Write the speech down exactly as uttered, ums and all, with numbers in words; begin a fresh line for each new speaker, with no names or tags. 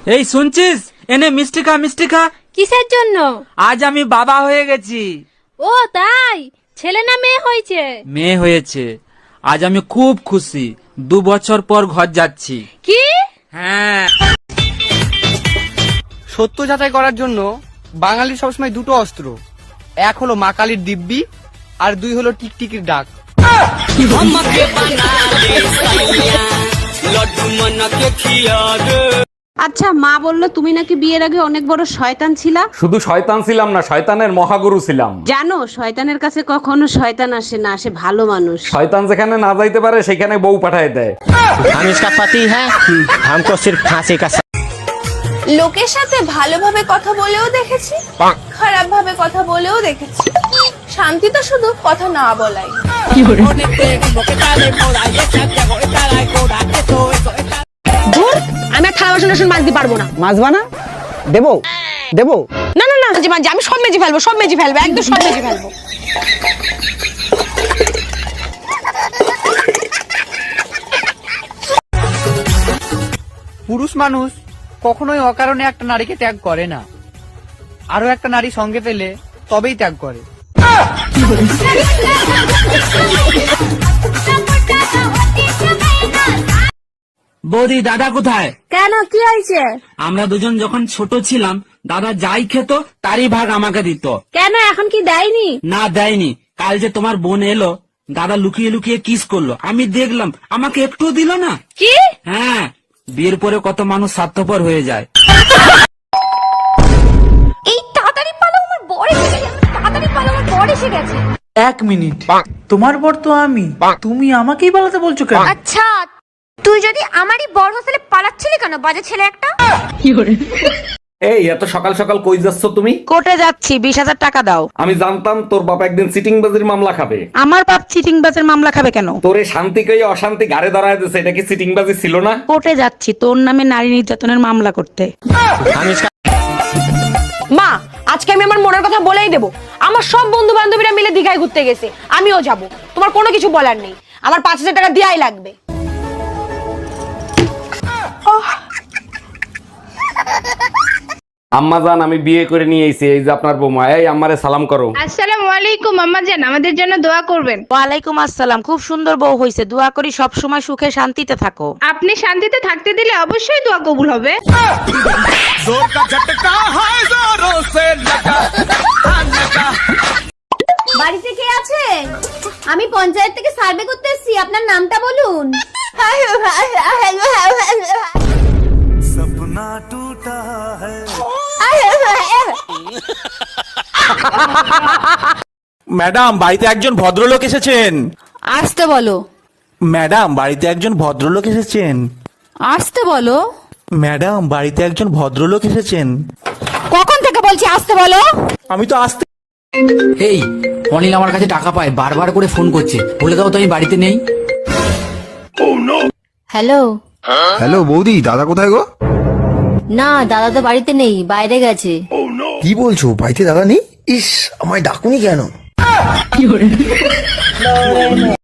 এই শুনছিস, এনে মিষ্টি খা, মিষ্টি খা।
কিসের জন্য?
আজ আমি বাবা হয়ে গেছি।
ও তাই? ছেলে না মেয়ে হয়েছে?
মেয়ে হয়েছে। আজ আমি খুব খুশি। দু বছর পর ঘর যাচ্ছি।
কি?
হ্যাঁ।
সত্য যাচাই করার জন্য বাঙালি সবসময় দুটো অস্ত্র, এক হলো মা কালীর দিব্যি, আর দুই হলো টিকটিকির ডাক।
আচ্ছা, মা বললো তুমি নাকি বিয়ের আগে অনেক বড় শয়তান ছিলা।
শুধু শয়তান ছিলাম না, শয়তানের মহাগুরু ছিলাম।
জানো, শয়তানের কাছে কখনো শয়তান আসে না, আসে ভালো মানুষ।
শয়তান যেখানে না যাইতে পারে সেখানে বউ পাঠায় দেয়।
हम इसका पति है, हमको सिर्फ फांसी का।
লোকের সাথে ভালোভাবে কথা বলেও দেখেছি, খারাপ ভাবে কথা বলেও দেখেছি। শান্তি তো শুধু কথা না বলাই।
ধুর, আমি আর থালা বাসন টাসন মাজতে পারবো না।
মাজবা না? দেবো দেবো
না না না, মাঝে মাঝে আমি সব মেজে ফেলবো, সব মেজে ফেলবো, একদম সব মেজে ফেলবো।
পুরুষ মানুষ কখনোই অকারণে একটা নারীকে ত্যাগ করে না, আরো একটা নারী সঙ্গে পেলে তবেই ত্যাগ করে।
বৌদি, দাদা কোথায়?
কেন, কি হয়েছে?
আমরা দুজন যখন ছোট ছিলাম, দাদা যাই খেত তারই ভাগ আমাকে দিত।
কেন, এখন কি দেয়নি?
না, দেয়নি। কাল যে তোমার বোন এলো, দাদা লুকিয়ে লুকিয়ে কিস করলো, আমি দেখলাম, আমাকে একটু দিল না।
কি?
হ্যাঁ, বিয়ের পরে কত মানুষ স্বার্থপর হয়ে যায়।
এই তাড়াতাড়ি পালো, আমার বর এসে গেছে, তাড়াতাড়ি পালো, আমার বর এসে গেছে।
এক মিনিট, তোমার বর তো আমি, তুমি আমাকেই পালাতে বলছো কেন?
আচ্ছা, তুই যদি আমারই বর হোস্টেলে পালাচ্ছিলি কেন, বাজে ছেলে একটা?
এই এত সকাল সকাল কই যাচ্ছ তুমি?
কোর্টে যাচ্ছি, বিশ হাজার টাকা দাও।
আমি জানতাম তোর বাপ একদিন সিটিং বাজির মামলা খাবে।
আমার বাপ চিটিং বাজের মামলা খাবে কেন?
তোরে শান্তি কই অশান্তি গাড়ে ধরায় দিছে, এটা কি সিটিং বাজি ছিল না?
কোর্টে যাচ্ছি তোর নামে নারী নির্যাতনের মামলা করতে।
हम इसका
মা, আজকে আমি আমার মনের কথা বলেই দেবো। আমার সব বন্ধু বান্ধবীরা মিলে দীঘায় ঘুরতে গেছে, আমিও যাব। তোমার কোনো কিছু বলার নেই, আমার পাঁচ হাজার টাকা দেওয়াই লাগবে।
আম্মা জান, আমি বিয়ে করে নিয়ে এসেছি, এই যে আপনার বৌমা। এই আম্মারে সালাম করো।
আসসালামু আলাইকুম আম্মা জান, আমাদের জন্য দোয়া করবেন।
ওয়ালাইকুম আসসালাম। খুব সুন্দর বউ হইছে, দোয়া করি সব সময় সুখে শান্তিতে থাকো।
আপনি শান্তিতে থাকতে দিলে অবশ্যই দোয়া কবুল হবে।
বাড়িতে কে আছে? আমি পঞ্চায়েত থেকে সার্ভে করতে এসেছি, আপনার নামটা বলুন।
ম্যাডাম, বাড়িতে একজন ভদ্রলোক এসেছেন।
আসতে বলো।
ম্যাডাম, বাড়িতে একজন ভদ্রলোক এসেছেন।
আসতে বলো।
ম্যাডাম, বাড়িতে একজন ভদ্রলোক এসেছেন।
কখন থেকে বলছি আসতে বলো?
আমি তো আসতে।
এই অনিল আমার কাছে টাকা পায়, বারবার করে ফোন করছে, বলে দাও তো আমি বাড়িতে নেই।
হ্যালো।
হ্যালো বৌদি, দাদা কোথায় গো?
না, দাদা তো বাড়িতে নেই, বাইরে গেছে।
কি বলছো, বাড়িতে দাদা নেই? ইস, আমায় ডাকুনি কেন?